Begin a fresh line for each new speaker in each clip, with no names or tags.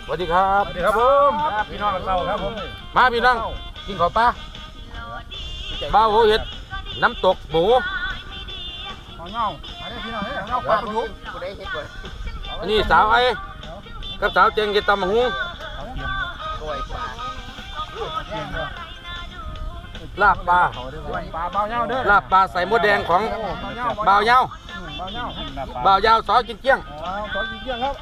สวัสดีครับ
สวัสดีครับผมพี่น้องเราครับผม
มาพี่น้องกินข้าวปลาบ้าโหเห็ดน้ำตกหมู
เงาอะไรพี่น้องเงาปลาดุกกูได้เห็ดก่อน
อันนี้สาวไอ้กับสาวเจงเก็ดตำหูลาบปลา
เบาเงาเด้อ
ลาบปลาใส่มดแดงของบ่าวเงาบ่าวยาวซอกินเกี้ยง
ซอกินเกี้ยงครับ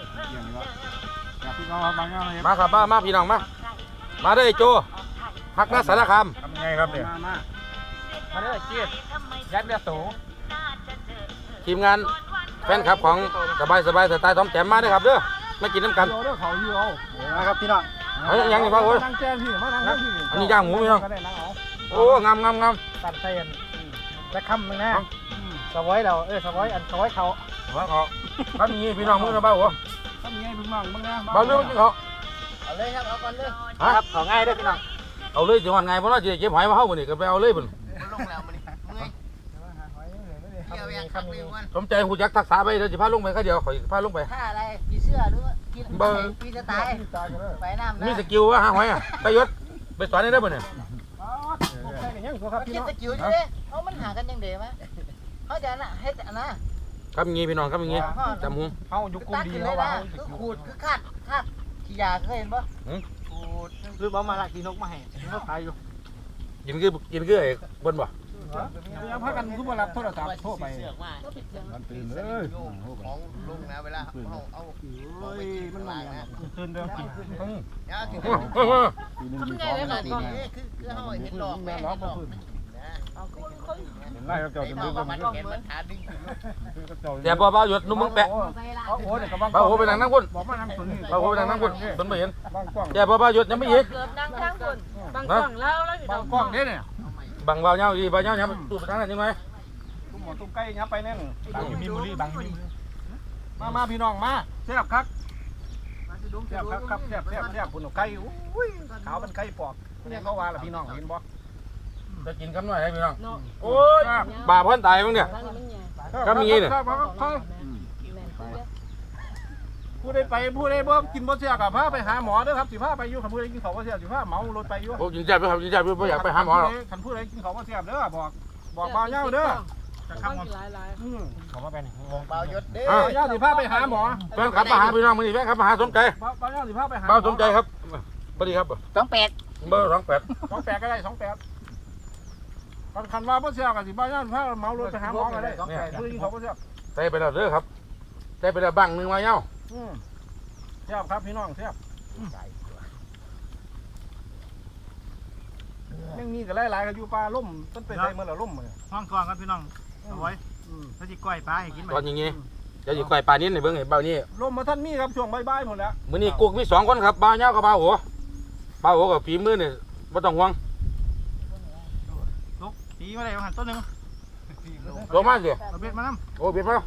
พี่น้องเบาเงาเลย
มาครับมาพี่น้องมาได้โจฮักนาสารคาม
ทำไงครับเนี่ยมาได้เจี๊ยบยัดเบียร์สู
ทีมงานแฟนคลับของสบายสไตล์ทอมแจ่มมาได้ครับเด้อมากินน้ำกัน
เด้อเขาอยู่เอานะครับพี่น้อง
ยังนี่บ้างโอ้ย
นั่งแจ้งพี่มานั่งพี่
อันนี้ย่างหมูพี่น้องโอ้งาม
ตัดเส้นจะค้ำมึงนะสวอยเราสวอยอันสวอยเขา
ถ้ามีพี่น้องมึงนะบ้าหัว
ถ้ามีไงมึงมั่งมึงนะ
บ้าเรื่องกินเขา
เอาเลยครับเอาก่อนเลย
ครับ
เอาง่ายด้วยพี่น้อง
เอาเลยจังหวัดไงเพราะว่าจะเก็บหอยมาเข้าบ่นี่ก็ไปเอาเลยบ่น
ลงแล้วมันเมื่อยเกี่ยวยังคักเลยวัน
สมใจหูยักทักษะไปเดี๋ยวจะพาลงไปแค่เดียวข่อยพาลงไป
ถ้าอะไรผีเสื้อหรือกินผีจะตายไปน้ำ
มีสกิลว่าหาหอยอ่ะไปยศไปสอนได้บ่เนี่ย
คิดสกิลอยู่ดิเขามันหากันยังเด๋มั้ยเขาจะน่ะเฮ็ดอันน่ะ
ครับอย่างงี้พี่น้องครับอย่างงี้จำหู
เขายุกุมดี
เล
เขา
ย
ว่า
นะคือขูดคือคาดขี้ยาเคยเห็นปะขูด
คือบ่มาละกินนกมาให้เขาขายอยู่
กินคือไอ้บนบ่
ยังพักกันคือมารับโทรศัพท์โทรไป
มันตื่นเลยของลุงนะเวลาเอาไปมันมานะ
ตื่นเด้อ
เนี่ยคือคือเขาเห็นหลอกแม่หลอก
ไล่เขาเจ้าจะดึง
มันเห็นมันขาดึง
แต่บ่บ่าวยศนุ่มมึงแปะ
โอ้เนี่ยกับบ้าง
บ่าโหไปนั่งพุ่น
บอกมานั่งสุน
บ่าโหไปนั่งพุ่นเพิ่นบ่เห็น
บ้างกล้อง
แต่บ่บ่าวยศยังไม่อีก
เกือบนั่งข้างคนบางกล้องแล้วอยู่
บ้างกล้องเนี่ย
บังบ่าวเหย้าดีบ่าวเหย้ายับตู้ไปทางนั้นยังไง
ตุ้มหมอตุ้มไก่ยับไปแน่นบางมีบุรีบางมีมาพี่น้องมาเสียบคักเสียบคักครับเสียบคุณไก่อุ้ยขาวเป็นไก่ปอกเนี่ยเขาว่าล่ะพี่น้องเห็นบ่
จะกินคำหน่อยให้พี่น้องโอ้ยบาเพิ่นตายมั้งเนี่ยก็มีเนี่ย
ผู้ใดไปผู้ใดบ่กินบ่เสียกับพาไปหาหมอเด้อครับสิพาไปอยู่คันผู้ใดกินข้าวบ่เสียสิพาเมารถไปอยู่
โอ้ยิงจับด้วยครับยิงจับด้วยไม่อยากไปหาหมอหรอก
คันผู้ใดกินข้าวบ่เสียเด้อบอกบ่าวเหย้าเด้อ
จะข้ามหลาย
เขามาไปนี่
เบายศเด้
บ่าวเหย้าสิพาไปหาหมอ
แฟนขับมาหาพี่น้องมือนี่แฟนขับมาหาสมใจ
บ่าวเหย้าสิพาไปหา
เบาสมใจครับสวัสดีครับ
28
เบอร์28
28ก็ได้28คันว่าบ่เสียก็สิบ่าวเหย้าพาเมารถไปหาหมอก็ได้ผู้ใดกินข้าวบ่เสีย
ใส่ไปแล้วเด้อครับใส่ไปแล้วบังหนึ่งมาเย้า
เสียบครับพี่น้องเสียบยังมีก็หลายๆก็อยู่ป่าล่มต้นไปใส่เมื่อละล่มเลย
ห้องคลองครับพี่น้องเอาไว้ถ้าจิก้อยปลาให้กินไหม
ตอนอย่างงี้จะอยู่ไกลป่านี้ในเบื้องไอ้เบานี่
ล่มมาท่านมีครับช่วงบ่ายๆหมดแล้ว
มื้อนี้กุ๊กมี2คนครับบ่าวเย้ากับบ่าวหัวบ่าวหัวกับฝีมือนี่บ่ต้องห่วง
ลุกตีมาเลยหันต้นหนึ่ง
ลงมาสิ
เอาเบ็ดมาน้
โอ้เบียดมา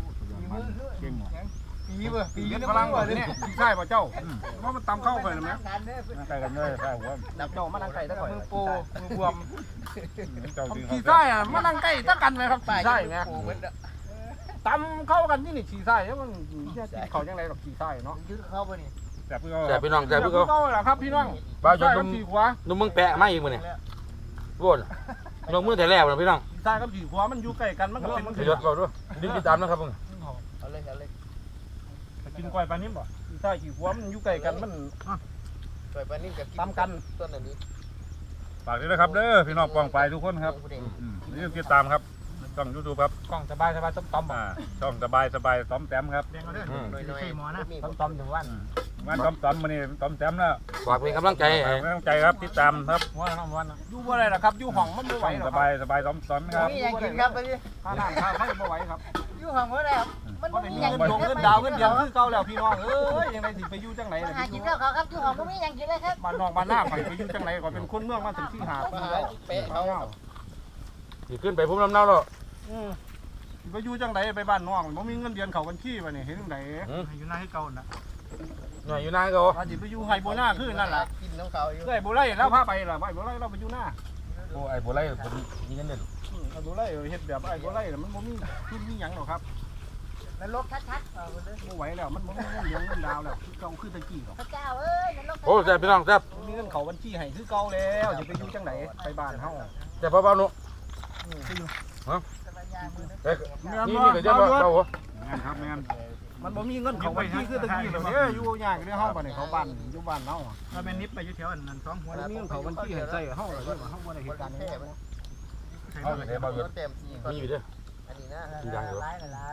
ปีนี้พลังกว่าเนี่ยปีใช่ป่ะเจ้าเพราะมันตำเข้าไปนะมั้ย
ำไก่กันเลยไก่หัว
ดับเจ้ามานั่งไก่ตะก่อยมือปูมือบวม
เจ้าดึง
ปีใช่อะมานั่งไก่ตะกันเลยครับปีใช่ไงตำเข้ากันนี่ปีใช่แล้วมันเขายังไงหรอกปีใช่เนาะ
ยืดเข้าไปนี่
แต่เพื่อ
แต่พี่น้องแต่พี่
ก็แหละครับพี่น้อง
บ่าวจน
ปีขวา
นุ่มมึงแปะมาอีกมื้อนี่โว้นลงมือแต่แรกนะพี่น้อง
ปีใช่กับปีขวามันอยู่ใกล้กันมันก็เป็น
ยศเบาด้วยดึงติดตามนะครับมึง
เอาเลย
กินก้อยปลานิ่มบ่ใช่ขี้หัวมันอยู่ใกล้กันมัน
ปล่อยไปนี่กับ
ตามกัน
ต้นอันนี้
ฝากด้วยนะครับเด้อพี่น้องปองไปทุกคนครับนี่ติดตามครับช่องยูทูบครับ
กล้องสบายต้ม
ช่องสบายต้อมแต้มครับ
น้อยๆหมอนะ
ต้มถึงวัน
วันต้อมมานี่ต้อมแต้มแล้ว
ฝากเป็นกำลังใจ
ไม่ต้องใจครับติดตามครับ
วันอยู่บ่ได้หรอกครับอยู่ห้องมันบ่ไหว
ช่อง
หร
ส
อก
บายต้อมครับ
มีอย่างกินครับไปดิ
ค่าน้ำค่าไฟบ่ไหวครับ
อยู่ห้องก็ได้ครับมัน
บ่ได้
มี
มี
อย่าง
เงิน
กิน
เงินดาวเงินเดือนคือเก่าแล้วพี่น้องเอ้ยยังไงสิไปอยู่จังไหนล่ะ
หากินข้าวครับอยู่ห้องก็มีอย่างกินเลยครับ
บ้านนอกบ้านหน้าไปอยู่จังไหนก็เป็นคนเมืองมาถึงที่หาปีแล้ว
เป๊ะเขา
สิขึ้นไปพุ่มลำเนาแล้ว
ไปอยู่จังไหนไปบ้านน้องบ่มีเงินเดือนเข้าบัญชีบ่นี่เห็นจังได๋
อยู่หน้าให้เก่านะ
หน่อยอยู่นานก็
ว่าสิไปอยู่ไห้โบนาคือนั่นล่ะ
กินน้ำเขาอยู่
เอ้ยบ่ไล่แล้วพาไปล่ะไอ้บ่ไล่เราไปอยู่หน้า
โอ้ไอ้โบไล่ผมยิงกันเด่น
ไอ้บ่ไล่เฮ็ดแบบไอ้บ่ไล่มันบ่มีขึ้นมีหยังหรอกครับ
นรกชัดๆเอาเลย
ไม่ไหวแล้วมันเหลืองเงินดาวแล้วคือเก่าคือตะกี้หรอก
พระเจ้าเอ้ยนรก
โอ้แซ่บพี่น้องแซ่บ
มีเงินเขาบัญชีให้คือเก่าแล้วจะไปอยู่จังไหนไปบ้านเฮา
แซ่บเบาๆหนูฮะเอ้ยนี่ก็จะเบาหัว
แม่นครับแม่น
มันบ่มีเงินเขาบัญชีคือตะกี้แล้วเนี่ยอยู่ยากในเฮาบัดนี้เขาบ้านอยู่บ้านเฮา
ถ้าเป็นนิบไปอยู่แถวนั้นสองหัว
มันมีเงินเขาบัญชีให้ใช้เฮาเลยเฮาบ่ได้เหตุการณ์นี้
เอาไปเบาอยู่
เต็มที่
มีอยู่เด้อ
อันนี้นะ
กินได้เหรอ
ไหล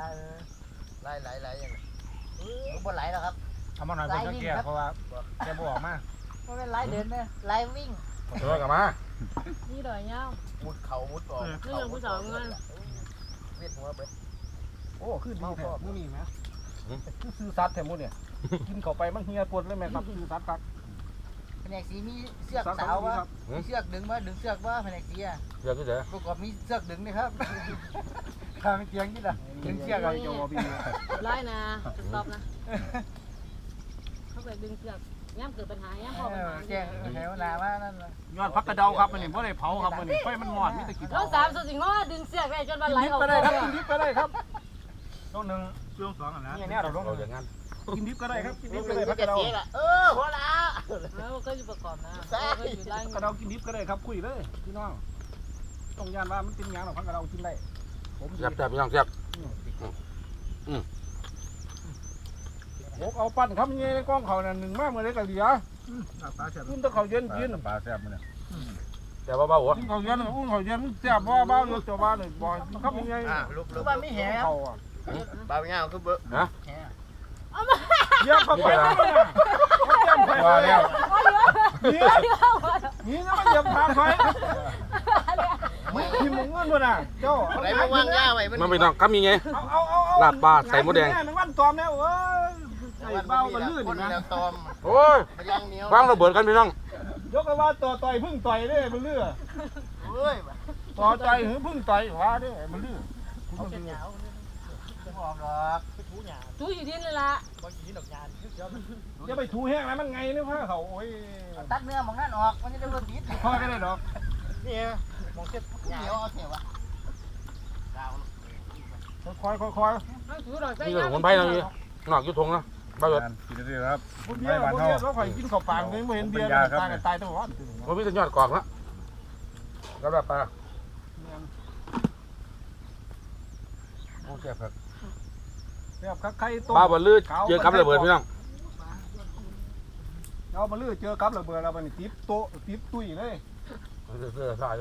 อย่างนี้บ่ไหลแล้วครับ
เอามาหน่อยเพื่อแก้เพราะว่าแกบออกมา
ไม่เป็นไหลเดินเนี่ยไหลวิ่ง
เดี๋ยวกลับมา
นี่ดอยเงา
มุดเขามุดออก
นี่ยังผู้สาวเงิน
เวียดหัวเบิด
โอ้คือดีแท้มื้อนี้แหมคือซื้อสัตว์แท้มื้อเนี่ยกินเข้าไปมันเฮียปวดเลยแม่ครับซื้อสัตว์ครับ
แผนกสีมีเสือกสาววะมีเสือกดึงวะดึงเสือกวะแผนกสีอ่ะ
เดี๋ยวนี่เด้อ
ประกอบมีเสือกดึงนี่ครับข้าไม่เตียงนี่ล่ะดึงเสือก
อะไร
อะไร
จะว่าพี่
ไล่นะสต็อปนะเขาไปดึงเสือกย่ำเกิดปัญหาย่ำพอปัญหา
แจ้งแถวนาว่านั่น
ยอดพักกระเดาครับมื้อนี้บ่ได้เผาครับมื้อนี้ไฟมันมอดมีแต่ขี้
น้องสามสุดสิงห์ดึงเสือกไปจนวันไหล
ดิบ
ออก
ก็ได้ครับกินดิบก็ได้ครับ
ต้นหนึ่งช่วงสองอ่ะนะ
เนี่ยเราลง
เราอย่างงั้น
กินดิบก็ได้ครับกินดิบก็
ดึ
ได้
ง
พักก
จะ
ระเดา
เสียละหัวละ
แล้วก็อยู่ประกอบนะก็อยู่ไล่
กระเดากินดิบก็ได้ครับคุยเลยพี่น้องต้องยานว่ามันเป็นหยังหรอกพักกระเดากินได้ผม
แซ่บพี่น้องแซ่บ
ผมเอาปั้นครับนี่ในกล้องเขาน่ะหนึ่งมากเมื่อไรก็เหลือ
ปลาเสียบ
กินแต่เขาเย็นกิน
ปลาแซ่บมันเนี่ย
แซ่บเบาๆหัว
กินเขาเย็นอุ้งเขาเย็นแซ่บบ้าบ้าอยู่ตัวบ้านเลยบ่อยครับยังไง
ลูกว่าไม่แหง
เขาอ่ะ
บางอย่างคือเบอร์
ฮะ
เยี่ยมเข้าไปเลยนะเยี่ยมไป
ว่าแล้ว
นี่นี่นะมันเยี่ยมทางไปทีมมึงเงินบ่น่ะเจ้า
อะไรไม่ว่างย่าไว้
มันพี่น้องครับมีไง ลาบปลาใส่หมูแดง
มันวันตอมแล้วเอ้ยใส่เบ้ากันลื่น
คน
นะ
แล้วตอม
โอ้ย
มันยังเหนียว
วางระเบิดกันพี่น้อง
ยกกันว่าต่อยพึ่งต่อยได้มันเลื่อ
เฮ้ย
ต่อต่อยหรือพึ่งต่อยว่าได้มันเลื่อ
เขาเป็นเหนียวจะบอกหรอกไปถูหยา
จู้อยู่ดินเลยล่ะ
บางทีดอกยานเยอะ
อย่าไปถูแห้งนะมันไงเนี่ยพ่อเขาโอ้ย
ตัดเนื้อมองนั่นออกมันจะได้รสติด
พ่อก็ได้ดอก
นี่มองเช็ดเหนียวเอาเสียวะดาว
คอยคอย
ต้องจู้ดอกใส่
นี่ก็สมุนไพรนะพี่นอกอยู่ทงนะบ้าเบิด
กินได้ครับ
พวกเบี้ยพวกเบี้ยเขาคอยกินข้าวปางไม่เห็นเบี้ยตายกันตายตัวร้อน
มันมีแต่ยอดกอกนะก็แบบปลาโอ้แซ่บครับ
แบบใครต้ม
ปลาบอลลื่นเจอกับระเบิดพี่น้อง
เอามาลื้อเจอกับระเบิดแล้วมันติ๊บโตติ๊บตุ้ยเลย
เสื้อสายอยู่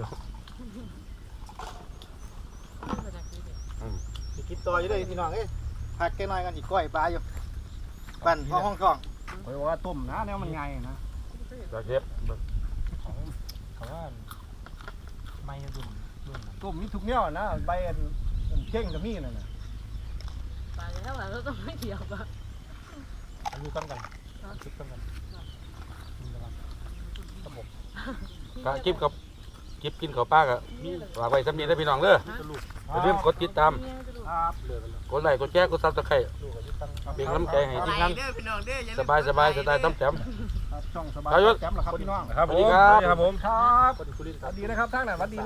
กินต่ออยู่เลยพี่น้องเอ้ยผักแกน้อยกันอีกก้อยปลาอยู่ปั่นห้องกล้อง
คอยว่าต้มนะเนี่ยมันไงนะ
จะเชฟ
เขาว่าไม่ดุน
ต้มมีทุกเนี่ยนะใบเข่งกับมีนั่นน่ะ
ปลาแล้วเราต้องไม่เกี่ยวปะ
อายุต้นกันคิดต้นกัน
ก็คลิปกับคลิปกินข้าวปลากับฝากไว้สำเนียงได้พี่น้องเด้ออย่าลืมกดติดตาม
ครับ
กดไลค์กดแชร์กดซับสไครต์เป็นกำลังใจให้ทีมงานสบายสไตล์ต้มแจ่ม
ช่องสบาย
ประยุทธ์
แจ่มเหรอครับพี่น้อง
ครับ
สวัสดีครับ
ครับผม
ครับสวัสดีนะครับท่านน่ะสวัสดี